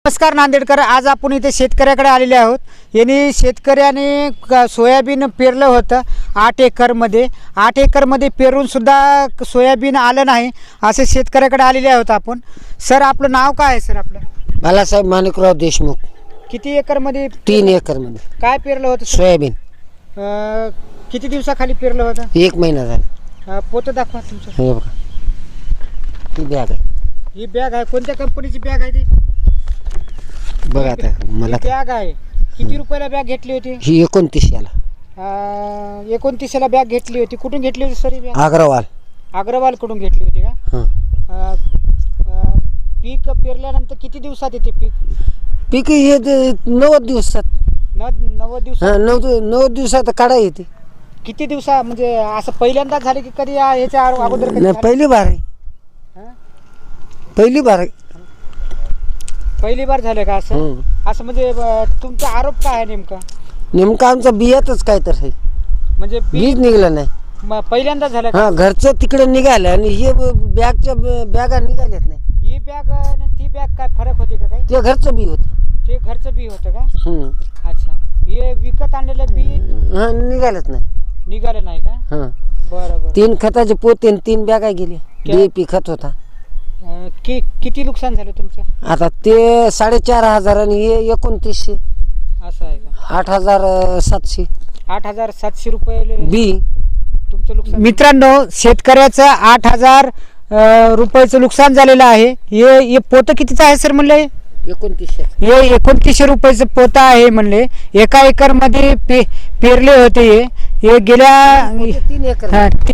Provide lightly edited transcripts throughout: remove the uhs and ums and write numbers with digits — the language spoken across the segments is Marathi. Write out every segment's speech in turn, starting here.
नमस्कार नांदेडकर, आज आपण इथे शेतकऱ्याकडे आलेले आहोत. यांनी शेतकऱ्याने सोयाबीन पेरलं होतं 8 एकरमध्ये. 8 एकरमध्ये पेरूनसुद्धा सोयाबीन आलं नाही, असे शेतकऱ्याकडे आलेले आहोत आपण. सर, आपलं नाव काय आहे? सर, आपलं बालासाहेब माणिकराव देशमुख. किती एकरमध्ये? 3 एकरमध्ये. काय पेरलं होतं? सोयाबीन. किती दिवसाखाली पेरलं होतं? 1 महिना झाला. पोतं दाखवा तुमचं. हे बघा, ती बॅग आहे. ही बॅग आहे. कोणत्या कंपनीची बॅग आहे ती? बघा आता मला बॅग आहे. किती रुपयाला बॅग घेतली होती? ही 29 याला. 29ला बॅग घेतली होती. कुठून घेतली होती सर ही बॅग? अग्रवाल कडून घेतली होती का? हां. पीक पेरल्यानंतर किती दिवसात येते पीक? पीक हे 90 दिवसात. 90 दिवसात. 90 दिवसात काढा येते. किती दिवसा म्हणजे असं पहिल्यांदाच झाले की कधी याच्या अगोदर कधी नाही, झालं? पहिली बार आहे. हां? पहिली बार आहे. पहिली बार झालं का असं? असं म्हणजे तुमचा आरोप काय आहे नेमका? नेमका आमचा बियातच काय तर आहे, म्हणजे बीज निघलं नाही. पहिल्यांदाच झालं का? हा, घरचं तिकडे निघालं आणि हे बॅगच्या बॅगा निघाल्यात नाही. ही बॅग आणि ती बॅग काय फरक होती का काही? ते घरचं बी होतं. ते घरचं बी होतं का? अच्छा. हे विकत आणलेलं बी निघालच नाही. निघालं नाही का? हां. बरं. 3 खताचे पोते आणि 3 बॅगा गेले. DAP खत होता. किती नुकसान झालं तुमचं? आता ते 4,500 आणि हे 2900. असं आहे का? 8,700 8,700 रुपये बी. तुमचं नुकसान. मित्रांनो, शेतकऱ्याचं 8,000 रुपयाचं नुकसान झालेलं आहे. हे पोतं कितीचं आहे सर म्हणले? 2900. हे 2900 रुपयाचं पोतं आहे म्हणले. एका एकरमध्ये पेरले होते. हे गेल्या 3 एकर.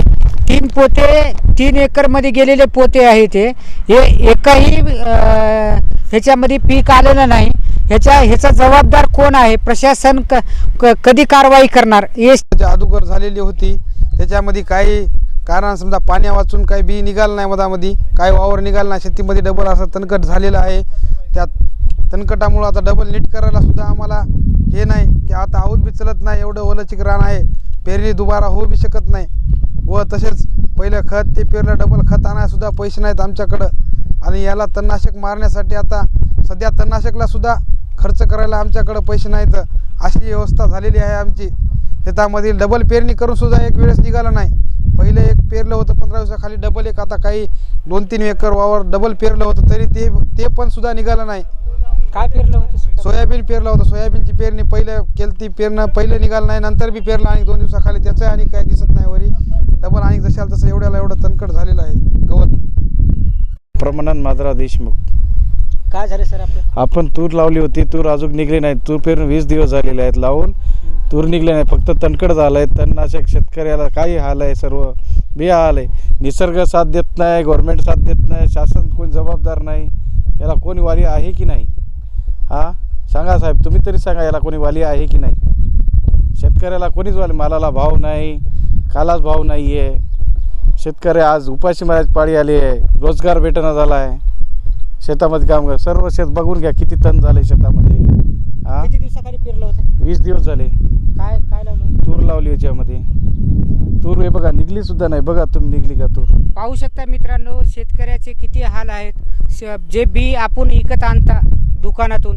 3 पोते 3 एकरमध्ये गेलेले पोते आहेत. हे एकाही ह्याच्यामध्ये पीक आलेलं नाही. ह्याचा जबाबदार कोण आहे? प्रशासन कधी कारवाई करणार? हे अगोदर झालेली होती, त्याच्यामध्ये काही कारण समजा पाण्या वाचून काही बी निघालं नाही, मधामध्ये काही वावर निघालं नाही. शेतीमध्ये डबल असं तणकट झालेलं आहे. त्या तणकटामुळं आता डबल नीट करायला सुद्धा आम्हाला हे नाही की आता आऊत बी चलत नाही, एवढं ओलचिक रान आहे. पेरणी दुबारा होऊ बी शकत नाही. व तसेच पहिलं खत ते पेरलं, डबल खत आणायला सुद्धा पैसे नाहीत आमच्याकडं. आणि याला तणनाशक मारण्यासाठी आता सध्या तणनाशकला सुद्धा खर्च करायला आमच्याकडं पैसे नाहीत. अशी व्यवस्था झालेली आहे आमची. शेतामधील डबल पेरणी करून सुद्धा एक वेळेस निघालं नाही. पहिले एक पेरलं होतं 15 दिवसाखाली, डबल एक आता काही 2-3 एकर वावर डबल पेरलं होतं, तरी ते पण सुद्धा निघालं नाही. काय पेरलं होतं? सोयाबीन पेरलं होतं. सोयाबीनची पेरणी पहिलं केली, ती पेरणं पहिले निघालं नाही, नंतर बी पेरलं आणि 2 दिवसाखाली त्याचं आणि काही दिसत नाही वरी डबल. आणि जशाल तसं एवढ्याला एवढं तणकट झालेलं आहे गवत. प्रमाणात माधवराव देशमुख. काय झालं सर आपलं? आपण तूर लावली होती, तूर अजून निघली नाही. तूर पेरून 20 दिवस झालेले आहेत लावून, तूर निघले नाही. फक्त तणकट झालं आहे. तणनाशक शेतकऱ्याला काही हाल आहे, सर्व बेहाल आहे. निसर्ग साथ देत नाही, गव्हर्नमेंट साथ देत नाही, शासन कोणी जबाबदार नाही. याला कोणी वाली आहे की नाही? हां, सांगा साहेब, तुम्ही तरी सांगा, याला कोणी वाली आहे की नाही? शेतकऱ्याला कोणीच वाली. मालाला भाव नाही, कालाच भाव नाही आहे. शेतकरी आज उपाशी मारायची पाळी आली आहे. रोजगार भेटना झाला आहे. शेतामध्ये काम कर, सर्व शेत बघून घ्या किती तण झाले शेतामध्ये. हां, किती दिवसाखाली पेरलं होतं? 20 दिवस झाले. काय लावलं? तूर लावली याच्यामध्ये. तूर हे बघा निघली सुद्धा नाही. बघा तुम्ही, निघली का तूर? पाहू शकता मित्रांनो, शेतकऱ्याचे किती हाल आहेत. जे बी आपण विकत आणता दुकानातून,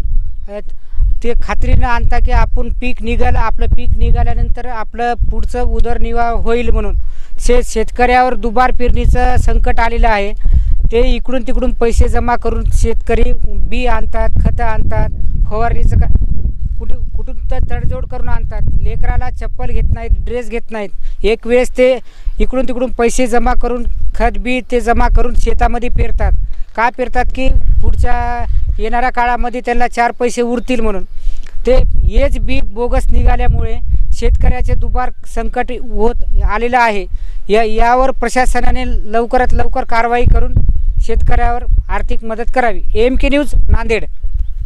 ते खात्रीनं आणता की आपण पीक निघालं, आपलं पीक निघाल्यानंतर आपलं पुढचं उदरनिर्वाह होईल म्हणून. शेतकऱ्यावर दुबार पेरणीचं संकट आलेलं आहे. ते इकडून तिकडून पैसे जमा करून शेतकरी बी आणतात, खतं आणतात, फवारणीचं कुठून तर तडजोड करून आणतात. लेकराला चप्पल घेत नाहीत, ड्रेस घेत नाहीत. एक वेळेस ते इकडून तिकडून पैसे जमा करून खत बी ते जमा करून शेतामध्ये पेरतात. का पेरतात? की पुढच्या येणाऱ्या काळामध्ये त्यांना 4 पैसे उरतील म्हणून. ते हेच बी बोगस निघाल्यामुळे शेतकऱ्याचे दुबार संकट होत आलेलं आहे. यावर प्रशासनाने लवकरात लवकर कारवाई करून शेतकऱ्यावर आर्थिक मदत करावी. AMK news Nanded.